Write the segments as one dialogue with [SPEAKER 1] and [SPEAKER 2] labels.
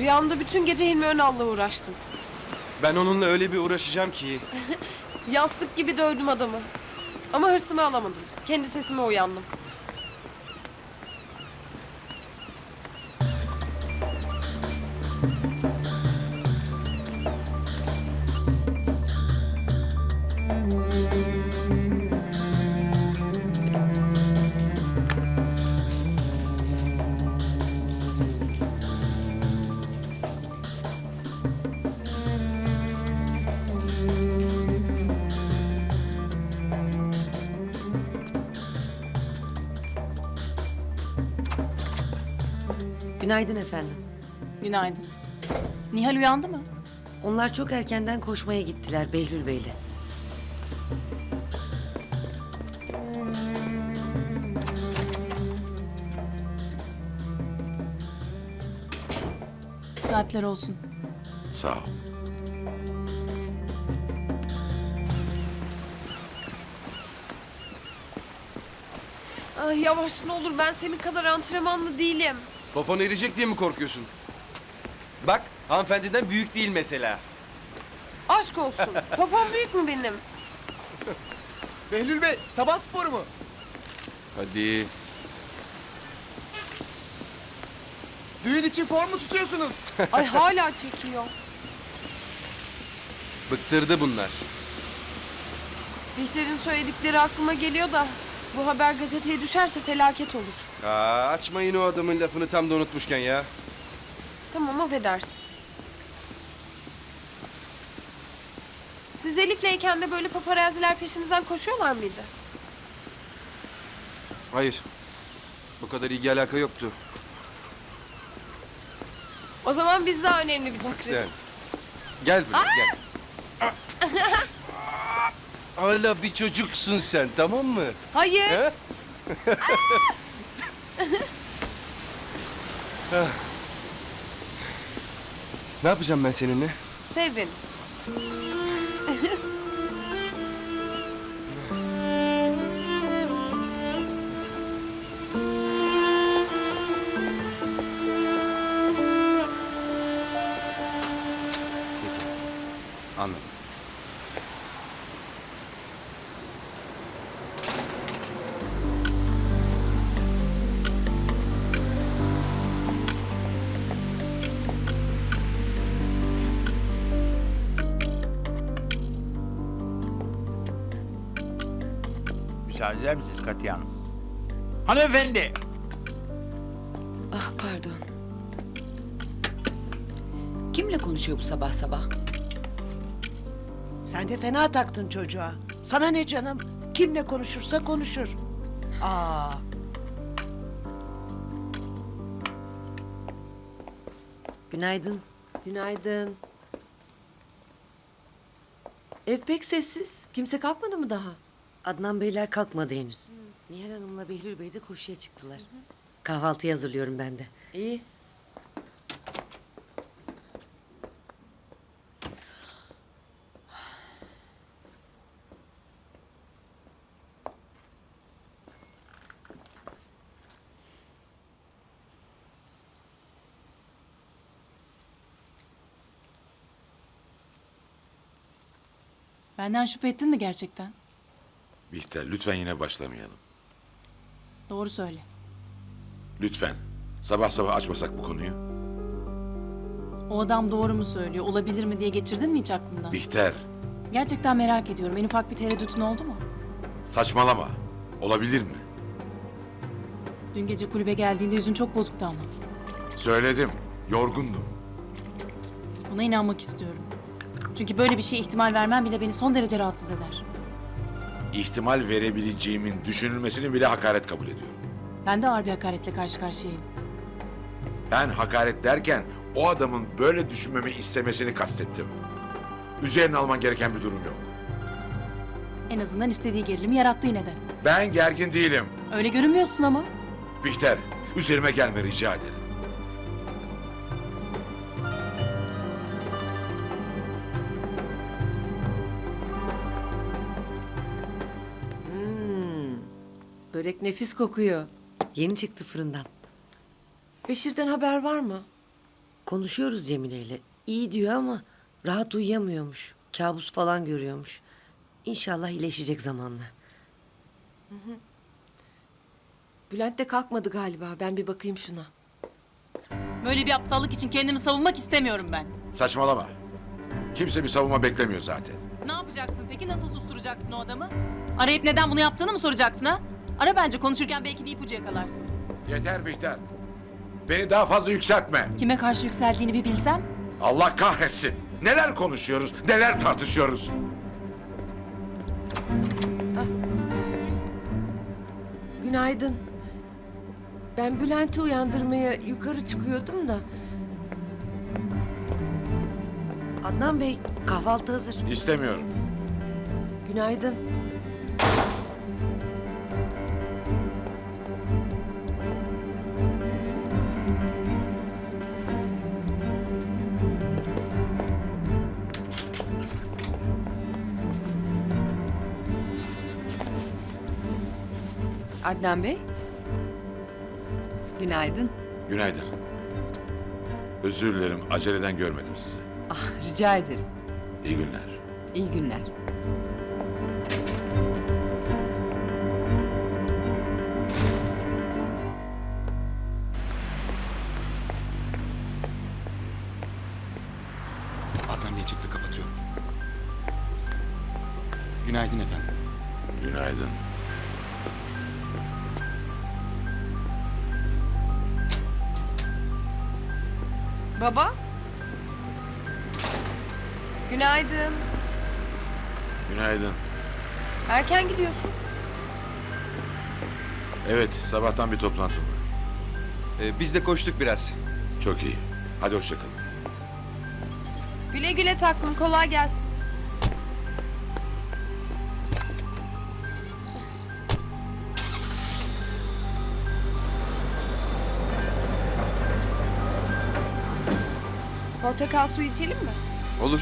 [SPEAKER 1] Rüyamda bütün gece Hilmi Önal'la uğraştım.
[SPEAKER 2] Ben onunla öyle bir uğraşacağım ki.
[SPEAKER 1] Yastık gibi dövdüm adamı. Ama hırsımı alamadım. Kendi sesime uyandım.
[SPEAKER 3] Günaydın efendim.
[SPEAKER 4] Günaydın. Nihal uyandı mı?
[SPEAKER 3] Onlar çok erkenden koşmaya gittiler Behlül Bey'le.
[SPEAKER 4] Saatler olsun.
[SPEAKER 5] Sağ ol.
[SPEAKER 1] Ay yavaş ne olur, ben senin kadar antrenmanlı değilim.
[SPEAKER 2] Popon erecek diye mi korkuyorsun? Bak, hanımefendiden büyük değil mesela.
[SPEAKER 1] Aşk olsun. Popom büyük mü benim?
[SPEAKER 6] Behlül Bey, sabah sporu mu?
[SPEAKER 2] Hadi.
[SPEAKER 6] Düğün için form mu tutuyorsunuz?
[SPEAKER 1] Ay hala çekiyor.
[SPEAKER 2] Bıktırdı bunlar.
[SPEAKER 1] Bihter'in söyledikleri aklıma geliyor da... ...bu haber gazeteye düşerse felaket olur.
[SPEAKER 2] Açmayın o adamın lafını tam da unutmuşken ya.
[SPEAKER 1] Tamam, affedersin. Siz Elif'leyken de böyle paparaziler peşinizden koşuyorlar mıydı?
[SPEAKER 2] Hayır. Bu kadar ilgi alaka yoktu.
[SPEAKER 1] O zaman biz daha önemli bir
[SPEAKER 2] Bak
[SPEAKER 1] çiftiz.
[SPEAKER 2] sen. Gel buraya gel. Hala bir çocuksun sen, tamam mı?
[SPEAKER 1] Hayır.
[SPEAKER 2] He? Ne yapacağım ben seninle?
[SPEAKER 1] Sev beni.
[SPEAKER 2] Peki. Anladım.
[SPEAKER 7] Müsaade eder misiniz Katiye Hanım? Hanımefendi!
[SPEAKER 3] Ah pardon. Kimle konuşuyor bu sabah sabah?
[SPEAKER 8] Sen de fena taktın çocuğa. Sana ne canım? Kimle konuşursa konuşur. Aa,
[SPEAKER 3] Günaydın. Günaydın. Ev pek sessiz. Kimse kalkmadı mı daha? Adnan Beyler kalkmadı henüz. Nihal Hanım'la Behlül Bey de koşuya çıktılar. Kahvaltıyı hazırlıyorum ben de. İyi.
[SPEAKER 4] Benden şüphe ettin mi gerçekten?
[SPEAKER 5] Bihter, lütfen yine başlamayalım.
[SPEAKER 4] Doğru söyle.
[SPEAKER 5] Lütfen. Sabah sabah açmasak bu konuyu.
[SPEAKER 4] O adam doğru mu söylüyor, olabilir mi diye geçirdin mi hiç aklından?
[SPEAKER 5] Bihter,
[SPEAKER 4] Gerçekten merak ediyorum. En ufak bir tereddütün oldu mu?
[SPEAKER 5] saçmalama. Olabilir mi?
[SPEAKER 4] Dün gece kulübe geldiğinde yüzün çok bozuktu ama.
[SPEAKER 5] Söyledim. Yorgundum.
[SPEAKER 4] Buna inanmak istiyorum. Çünkü böyle bir şeye ihtimal vermem bile beni son derece rahatsız eder.
[SPEAKER 5] İhtimal verebileceğimin düşünülmesini bile hakaret kabul ediyorum.
[SPEAKER 4] Ben de ağır bir hakaretle karşı karşıyayım.
[SPEAKER 5] Ben hakaret derken o adamın böyle düşünmemi istemesini kastettim. Üzerine alman gereken bir durum yok.
[SPEAKER 4] En azından istediği gerilimi yarattı yine de.
[SPEAKER 5] Ben gergin değilim.
[SPEAKER 4] Öyle görünmüyorsun ama.
[SPEAKER 5] Bihter, üzerime gelme rica ederim.
[SPEAKER 3] Börek nefis kokuyor. Yeni çıktı fırından. Beşir'den haber var mı? Konuşuyoruz Cemile'yle. İyi diyor ama rahat uyuyamıyormuş. Kabus falan görüyormuş. İnşallah iyileşecek zamanla.
[SPEAKER 9] Bülent de kalkmadı galiba. Ben bir bakayım şuna.
[SPEAKER 4] Böyle bir aptallık için kendimi savunmak istemiyorum ben.
[SPEAKER 5] Saçmalama. Kimse bir savunma beklemiyor zaten.
[SPEAKER 4] Ne yapacaksın peki? Nasıl susturacaksın o adamı? Arayıp neden bunu yaptığını mı soracaksın ha? Ara bence, konuşurken belki bir ipucu yakalarsın.
[SPEAKER 5] Yeter Bihter. Beni daha fazla yükseltme.
[SPEAKER 4] Kime karşı yükseldiğini bir bilsem.
[SPEAKER 5] Allah kahretsin. Neler konuşuyoruz, neler tartışıyoruz.
[SPEAKER 9] Günaydın. Ben Bülent'i uyandırmaya yukarı çıkıyordum da.
[SPEAKER 3] Adnan Bey, kahvaltı hazır.
[SPEAKER 5] İstemiyorum.
[SPEAKER 9] Günaydın.
[SPEAKER 10] Adnan Bey. Günaydın.
[SPEAKER 5] Günaydın. Özür dilerim, aceleden görmedim sizi.
[SPEAKER 10] Ah, rica ederim.
[SPEAKER 5] İyi günler.
[SPEAKER 10] İyi günler.
[SPEAKER 2] Adnan Bey çıktı, kapatıyorum. Günaydın efendim.
[SPEAKER 5] Günaydın.
[SPEAKER 1] Baba? Günaydın.
[SPEAKER 5] Günaydın.
[SPEAKER 1] Erken gidiyorsun.
[SPEAKER 5] Evet, sabahtan bir toplantım var.
[SPEAKER 2] Biz de koştuk biraz.
[SPEAKER 5] Çok iyi. Hadi hoşça kalın.
[SPEAKER 1] Güle güle taklım, kolay gelsin. Portakal suyu içelim mi?
[SPEAKER 2] Olur.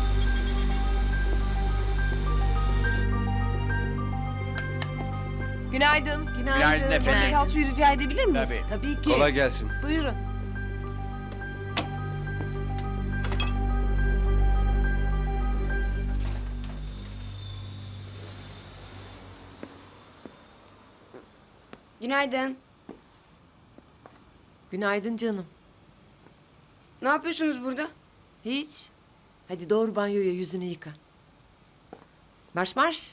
[SPEAKER 1] Günaydın.
[SPEAKER 7] Günaydın efendim.
[SPEAKER 1] Portakal suyu rica edebilir miyiz?
[SPEAKER 7] Tabii.
[SPEAKER 8] Tabii ki.
[SPEAKER 2] Kolay gelsin.
[SPEAKER 8] Buyurun.
[SPEAKER 11] Günaydın.
[SPEAKER 9] Günaydın canım.
[SPEAKER 11] Ne yapıyorsunuz burada?
[SPEAKER 9] Hiç. Hadi doğru banyoya, yüzünü yıka. Marş marş.